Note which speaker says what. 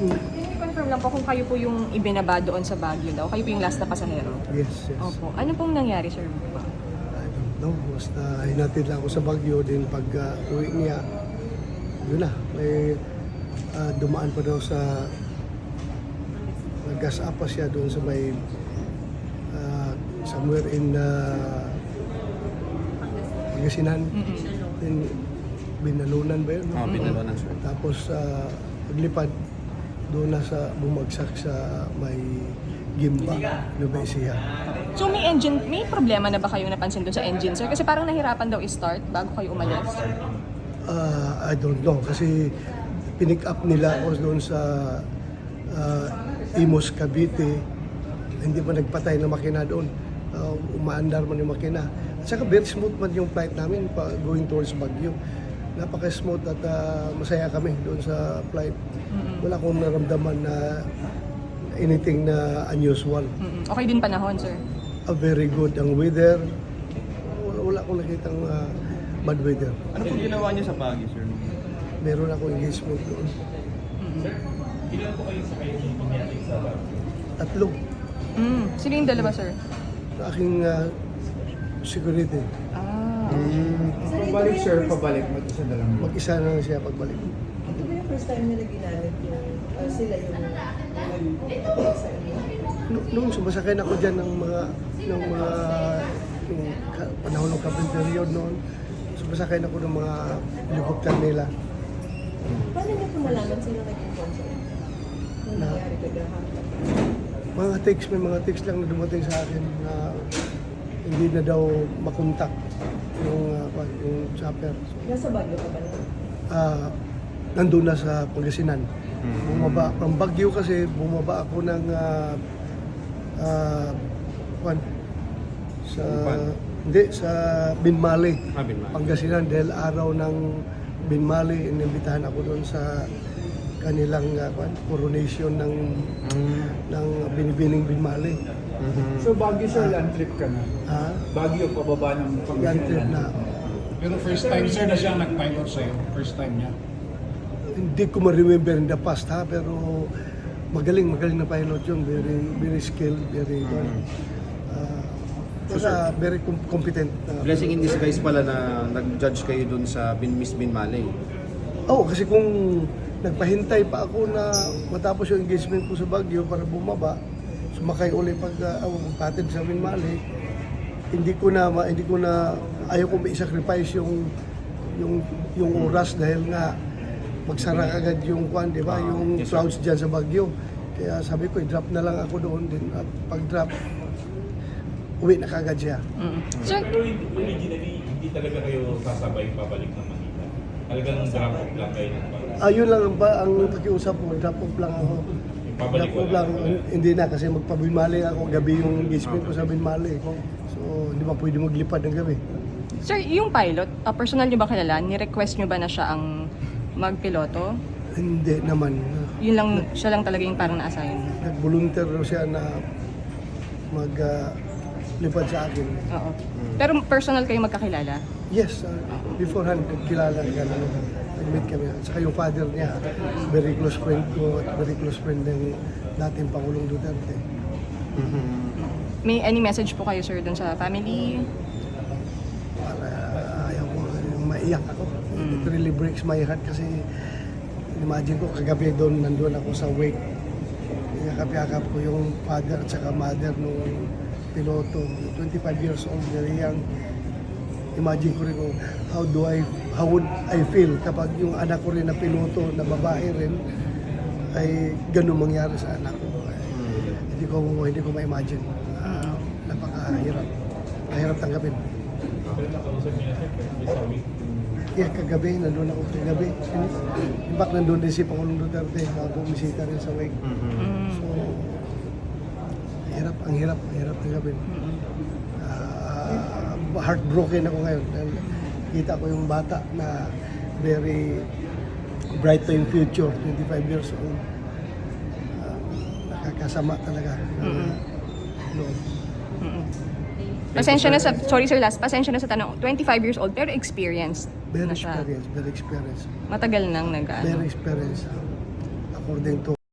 Speaker 1: Can you confirm lang po kung kayo po yung ibinaba doon sa Baguio daw? Kayo po yung last na pasahero?
Speaker 2: Yes, yes.
Speaker 1: Opo. Ano pong nangyari, sir?
Speaker 2: I don't know. Basta hinatid lang ako sa Baguio din pag uwi niya. Yun na. May dumaan pa daw sa nag-gas up pa siya doon sa may somewhere in Pangasinan. Then, Binalunan ba yun? No?
Speaker 3: Binalunan, sir.
Speaker 2: Tapos paglipad doon na sa bumagsak sa may Gimba, Nueva Ecija.
Speaker 1: So may problema na ba kayong napansin doon sa engine, sir? Kasi parang nahirapan daw i-start bago kayo umalis.
Speaker 2: I don't know kasi pinick up nila ako doon sa Imus, Cavite. Hindi pa nagpatay na makina doon. Umaandar man yung makina. At saka very smooth man yung flight namin going towards Baguio. Napaka-smooth at masaya kami doon sa flight. Wala akong naramdaman na anything na unusual.
Speaker 1: Okay din panahon, sir?
Speaker 2: Very good ang weather. Wala akong nakitang bad weather.
Speaker 3: Ano po ginawa niyo sa Baguio, sir?
Speaker 2: Meron akong engagement doon.
Speaker 4: Ilan po kayo sa kayo pinating sa Baguio?
Speaker 2: Tatlo.
Speaker 1: Sino yung dalawa, sir?
Speaker 2: Aking security.
Speaker 5: Pabalik sir, pabalik. Mag-isa na lang.
Speaker 2: Mag-isa na siya pagbalik.
Speaker 6: Ito ba yung first time nila ginamit yung sila yung sa inyo?
Speaker 2: Noong sumasakay na ako dyan ng mga yung panahon ng kapit period noon, sumasakay na ako ng mga helicopter nila.
Speaker 6: Paano niyo po nalaman sila nag-inform sa inyo? Nung nangyari kagahan?
Speaker 2: May mga text lang na dumating sa akin na hindi na daw makontak yung chopper.
Speaker 6: Nasa Baguio ka ba na?
Speaker 2: Nandun na sa Pangasinan. Bumaba, from Baguio kasi bumaba ako ng sa Binmali,
Speaker 3: Binmali.
Speaker 2: Pangasinan dahil araw ng Binmali, inimbitahan ako doon sa kanilang coronation ng binibining Binmali.
Speaker 5: So Baguio sir, land trip ka na. Baguio, pababa ng
Speaker 2: Yan trip na.
Speaker 7: Pero first time sir na siya nag-pilot sa'yo. First time niya.
Speaker 2: Hindi ko ma-remember in the past pero magaling na pilot yun, very skilled, very good. Very competent.
Speaker 3: Blessing in disguise pala na nag-judge kayo dun sa Miss Binmali.
Speaker 2: Kasi kung nagpahintay pa ako na matapos yung engagement ko sa Baguio para bumaba, sumakay uli patid sa Binmali, hindi ko na ayaw ko i-sacrifice yung oras dahil nga magsara agad yung di ba, yung clouds diyan sa Baguio. Kaya sabi ko, i-drop na lang ako doon din at pag-drop uwi na kagad siya.
Speaker 1: Sir,
Speaker 4: Pero originally, hindi talaga kayo sasabay pabalik ng Manila. Talagang drop off lang kayo ng Baguio.
Speaker 2: Ayun lang ang pakiusap ko, drop off lang ako.
Speaker 4: Pabalik
Speaker 2: Drop off lang, hindi na kasi magpabinmali ako, gabi yung engagement ko sa Binmali. So, hindi ba pwede maglipad ng gabi.
Speaker 1: sir, yung pilot, personal niyo ba kilala? Ni-request niyo ba na siya ang magpiloto?
Speaker 2: Hindi naman.
Speaker 1: Siya lang talaga yung parang na-assign.
Speaker 2: Nag-volunteer siya na maglipad sa akin.
Speaker 1: Oo. Pero personal kayo magkakilala?
Speaker 2: Yes, beforehand, kilala ka na nag-meet kami. At saka yung father niya, very close friend ko at very close friend ng dating Pangulong Duterte.
Speaker 1: May any message po kayo, sir, dun sa family?
Speaker 2: Para ayaw ko maiyak ako. It really breaks my heart kasi imagine ko kagabi nandun ako sa wake. Yakap-yakap ko yung father at saka mother nung piloto. 25 years old, very young. Imagine ko rin kung how would I feel kapag yung anak ko rin na piloto na babae rin ay ganun mangyari sa anak ko. Hindi ko ma-imagine. Napakahirap. Mahirap tanggapin.
Speaker 4: Pero nakausap niya na sa week.
Speaker 2: Yeah, kagabi, nandun ako kagabi. In fact, nandun din si Pangulong Duterte, bumisita rin sa wake. So, ang hirap tanggapin. Heartbroken ako ngayon. Dahil kita ko yung bata na very bright pa yung future, 25 years old. Nakakasama talaga. Loob.
Speaker 1: Pasensya na sa tanong, 25 years old pero experienced
Speaker 2: Very
Speaker 1: na siya.
Speaker 2: experienced.
Speaker 1: Matagal nang
Speaker 2: Very experienced. According to